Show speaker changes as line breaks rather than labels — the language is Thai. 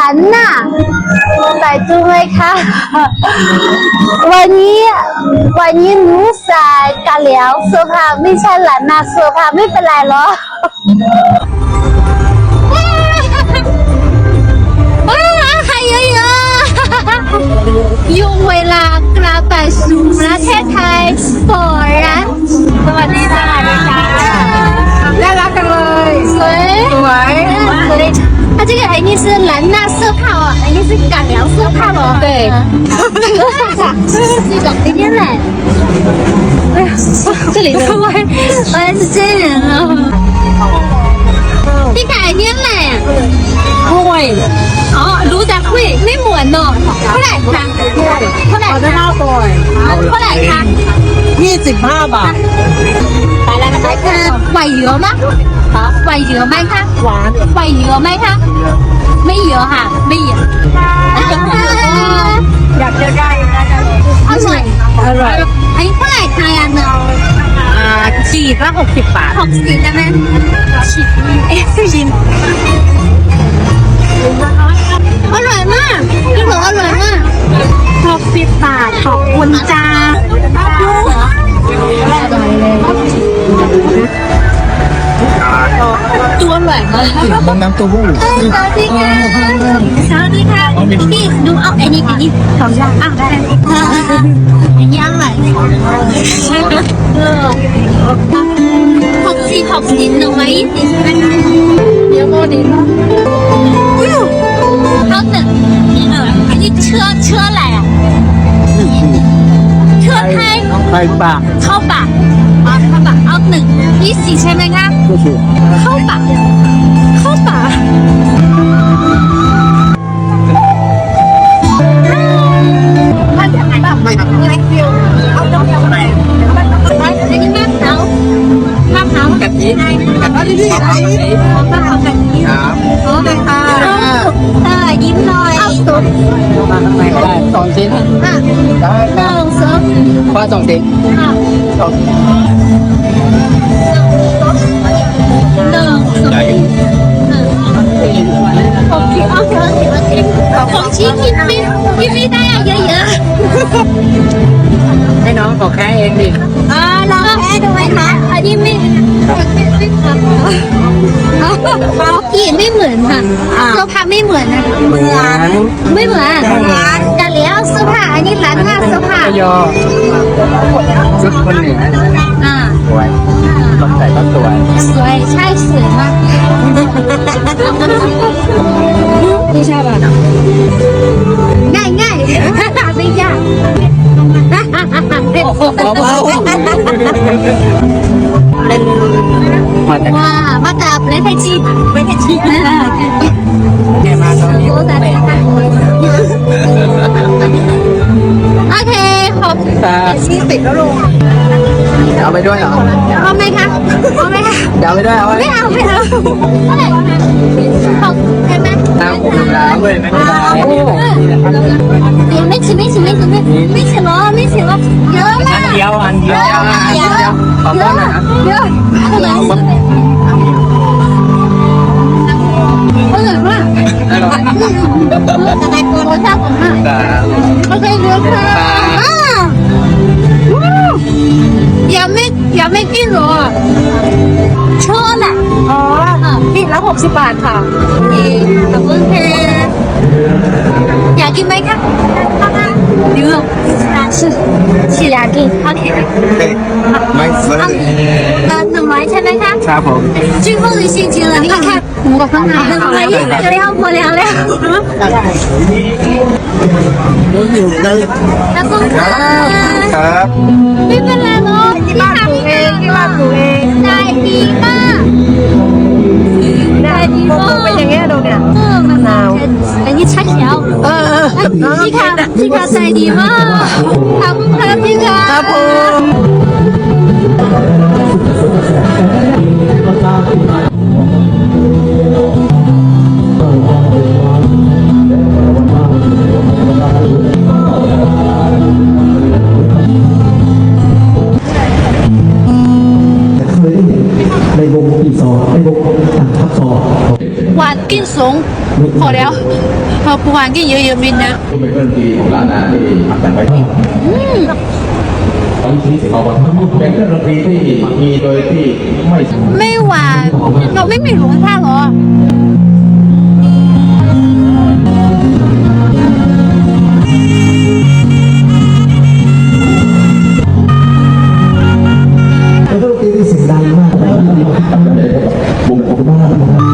น่ะใส่ดูไหมคะวันนี้หนูใส่กะเหลี่ยวเสื้อผ้าไม่ใช่หลานน่ะเสื้อผ้าไม่เป็นไรหรอ还有用เวลากลับไปสู่ประเทศไทยฝรั่งสวัสดีค่ะ
น่ารักจังเลย
สวย
สวย
它这个肯定是兰纳色泡啊，肯定是港洋色泡哦。
对，
这种今天来，哎呀，这里的我也是真人了。你改天来呀？
会
哦，รู้จักคุยไม่เหมือนเนาะเท่าไหร่คะเท่าไหร่
เอาได้
คะ
เท่าตัว
เท่าไหร่คะ
25 บาท
ไปแล้วนะคะไหวเหลือมั้ยไหวเหลือไหมคะ
หวาน
ไหวเหลือไหมคะไม่เยอะค่ะไม่เยอะ
อยากจะได้นะ
อร่อย
อร่อย
อันนี้เท่าไหร่คะอันเนาะ
ขีดละ60 บาท
60ได้ไหมฉีดชิมอร่อยมากพี่บอกอร่อยมาก
60 บาทขอบคุณจ้า
ตัวอร่อยมาก
น้ำเต้าหู้
สวัสดีค่ะสวัสดีค่ะพี่ดูเอาอันนี้สองอย่างได้อันนี้อร่อย60 120
有没你
好等อันนี้เชื้ออะไรอ่ะเชื้อไทย
ไข่ปลา
เข้าปากเข้าปากเอา120ใช่ไหมคะ
ก็คือ
เข้าปาก
ไม่ครับ
เอาตรงไหน
อันนี้มะพร้าว
กะทิ
มะพร้าวกะทิ
ครับ
โอ้ค่ะยิ้มหน่อยเอาตุ๊ด
มาข้างในก็ได้2 ชิ้นได้ครับ
สอง
ปลา2 ชิ้นใหญ่
ผมชี้กินไม่ได้อะเยอะๆ
ให้น้องบอกแค่เองดิ
ลองแพ้ดูไหมคะอันนี้ไม่เขากินไม่เหมือนค่ะเสื้อผ้าไม่เหมือนนะ
เหมือน
ไม่เหมือนแต่แล้วเสื้อผ้าอันนี้ร้านหน้าเสื้อผ้า
ยอชุดคนเหนือ สวยต้องใส่ก็สวย
สวยใช่สวยมาก
ไม่ใช่ป่ะ
ง่ายไม่ยาก
เบาเล่นมาจาก
ว้ามาจากประเทศจีน
แกมาตอนนี้
โอ้แต่โอเคขอบ
40แล้วลุง
เอาไปด้วยเหรอ
เอาไหมคะ
เดี๋ยวเอาไปด้วยเอาไว้
ไม่เอาเท่าไหร่ของใช่ไหม
น้ำอุ่นน้ำเลยไม่ได้
也没吃了，有啦，
อันเดียวขอบคุณนะ
有，不能吃，อร่อยมาก我下ผมมากโอเคเดี๋ยวค่ะยังไม่กินหรอชอบน่ะ
อ๋อขีดละ60 บาทค่ะ
ขอบคุณค่ะอยากกินไหมคะเดี๋ยว是两斤 OK
ไม่เฟิร์
100ใช่ไหมคะ
ครับผม
最后的星期了你看我刚拿的100不了
อยู่เลย
ขอบคุณค่ะ
ครับ
ไม่เป็นไรเนาะที่บ้านปลูกเองใจดีมากใจดีมาก
เป็นอย่างเงี้ยดูเนี่ย
มันหนาวอันนี้ชัดแล้วพี่ค่ะใจดีมากขอบคุณค่ะพี่ค่ะครับผม
ในวงปี 2ในวงต่างทับ2
หวานกินสูงพอแล้วพอปวานก็เยอะๆมินนะ
ก็เป็นเครื่องดนตรีของร้านอาหารที่แต่งไว้ที่ตอนนี้เขาบอกเป็นเครื่องดนตรีที่มีโดยที่ไม่
ไม่หวานเราไม่มีหลงท่าหรอ
เป็นดนตรีที่เสียงดังมากนะครับ
วงของบ้านนะครับ